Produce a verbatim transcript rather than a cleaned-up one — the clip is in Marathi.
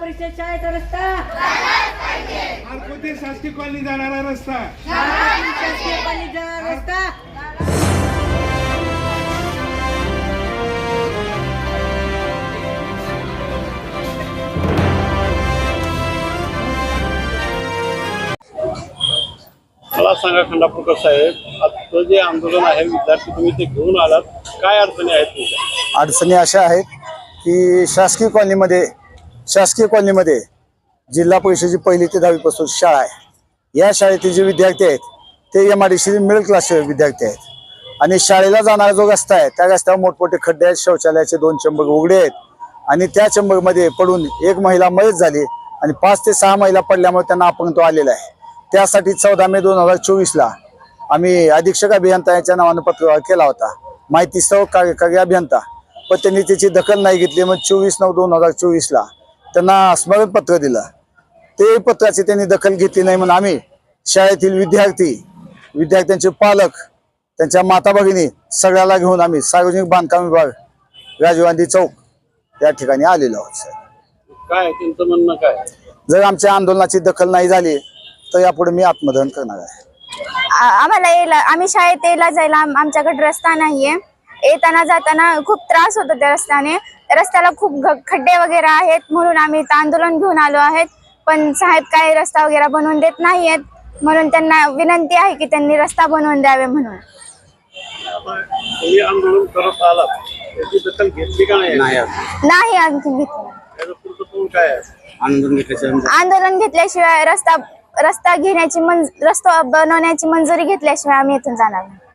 परिषद शाळेचा रस्ता, आरकोते शासकीय कॉलनी जाणारा रस्ता, शासकीय कॉलनी जाणारा रस्ता, मला सांगा खंडापूरकर साहेब, आजचं जे आंदोलन आहे विद्यार्थी तुम्ही ते घेऊन आलात, काय अडचणी आहेत तुमच्या? अडचणी अशा आहेत की शासकीय कॉलनीमध्ये शासकीय कॉलनीमध्ये जिल्हा परिषदेची पहिली ते दहावीपासून शाळा आहे। या शाळेतील जे विद्यार्थी आहेत ते M I D C middle क्लासचे विद्यार्थी आहेत आणि शाळेला जाणारा जो रस्ता आहे त्या रस्त्यावर मोठमोठे खड्डे आहेत, शौचालयाचे दोन चंबर उघडे आहेत आणि त्या चंबरमध्ये पडून एक महिला मयत झाली आणि पाच ते सहा महिला पडल्यामुळे त्यांना अपंगत्व तो आलेला आहे। त्यासाठी चौदा मे दोन हजार चोवीसला आम्ही अधीक्षक अभियंता याच्या नावानं पत्रव्यवहार केला होता, माहिती सह कार्यकारी अभियंता, पण त्यांनी त्याची दखल नाही घेतली। मग चोवीस नऊ दोन हजार चोवीसला त्यांना स्मरणपत्र दिलं, ते पत्राची त्यांनी दखल घेतली नाही म्हणून आम्ही शाळेतील विद्यार्थी, विद्यार्थ्यांचे पालक, त्यांच्या माता भगिनी सगळ्याला घेऊन आम्ही सार्वजनिक बांधकाम विभाग राजीव गांधी चौक या ठिकाणी आलेलो आहोत। काय त्यांचं म्हणणं काय? जर आमच्या आंदोलनाची दखल नाही झाली तर यापुढे मी आत्मदहन करणार आहे। आम्हाला यायला, आम्ही शाळेत यायला जायला आमच्याकडे रस्ता नाहीये, येताना जाताना खूप त्रास होतो त्या रस्त्याने, रस्त्याला खूप खड्डे वगैरे आहेत म्हणून आम्ही आंदोलन घेऊन आलो आहेत, पण साहेब काही रस्ता वगैरे बनवून देत नाहीयेत, म्हणून त्यांना विनंती आहे की त्यांनी रस्ता बनवून द्यावे म्हणून। तुम्ही आंदोलन करत आलात, त्याची दखल घेतली का नाही? नाही आणखी घेतली। त्याचं पुढचं पाऊल काय आहे? आंदोलन घेतल्याशिवाय आंदोलन घेतल्याशिवाय रस्ता रस्ता घेण्याची मंज रस्ता बनवण्याची मंजुरी घेतल्याशिवाय आम्ही इथून जाणार नाही।